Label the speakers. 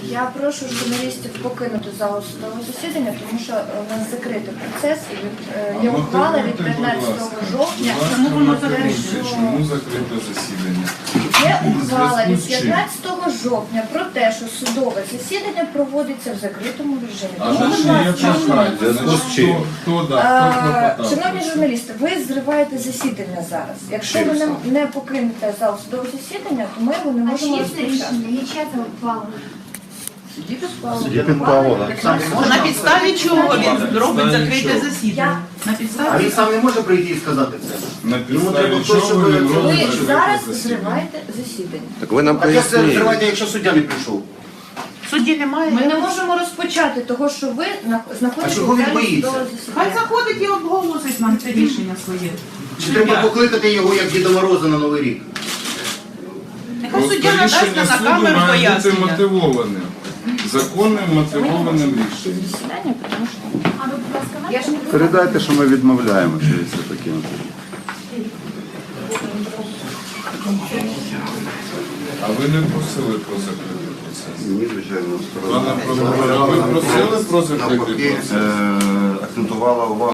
Speaker 1: Я прошу журналістів покинути залу судового засідання, тому що у нас закритий процес і є ухвала від 15 жовтня.
Speaker 2: Чому закрите засідання?
Speaker 1: Є ухвала від 15 жовтня про те, що судове засідання проводиться в закритому режимі.
Speaker 2: А
Speaker 1: Тому,
Speaker 2: за
Speaker 1: будь
Speaker 2: що є
Speaker 1: ласка,
Speaker 2: прохання? Значить, хто клопотав?
Speaker 1: шановні журналісти, ви зриваєте засідання зараз. Якщо ви не покинете зал судового засідання, то ми його не можемо розпочати.
Speaker 3: Судді підпало, так.
Speaker 4: На підставі чого він робить закрите засідання? На
Speaker 3: А
Speaker 4: підставі?
Speaker 3: він сам не може прийти і сказати це?
Speaker 2: На
Speaker 3: Йому треба
Speaker 2: підставі
Speaker 3: хтось,
Speaker 2: чого
Speaker 3: щоб
Speaker 2: він
Speaker 3: ви-
Speaker 2: робить
Speaker 1: Ви
Speaker 2: закрите
Speaker 1: зараз
Speaker 2: засідання?
Speaker 1: зриваєте засідання.
Speaker 5: Так ви нам
Speaker 3: А як це
Speaker 5: поясніть.
Speaker 3: відкривання, якщо суддя не прийшов?
Speaker 4: Судді немає.
Speaker 1: Ми не можемо розпочати того, що ви знаходитесь
Speaker 3: А чого він
Speaker 1: в залі
Speaker 3: боїться?
Speaker 1: судового
Speaker 4: Хай
Speaker 1: засідання.
Speaker 4: заходить і обголосить нам це рішення своє.
Speaker 3: Чи треба покликати його, як Діда Мороза на Новий рік?
Speaker 4: Нехай
Speaker 2: Просто
Speaker 4: суддя надасть
Speaker 2: рішення
Speaker 4: на
Speaker 2: суду
Speaker 4: камеру
Speaker 2: має бути
Speaker 4: пояснення.
Speaker 2: мотивованим. Законним мотивованим рішенням.
Speaker 1: Засідання, тому що я ж не
Speaker 6: Передайте, що ми відмовляємося від все таке.
Speaker 2: А ви не просили про закритий процес?
Speaker 6: Ні, звичайно,
Speaker 2: Пане прокурор, а ви просили про закритий
Speaker 6: навпаки,
Speaker 2: процес?
Speaker 6: акцентувала увагу.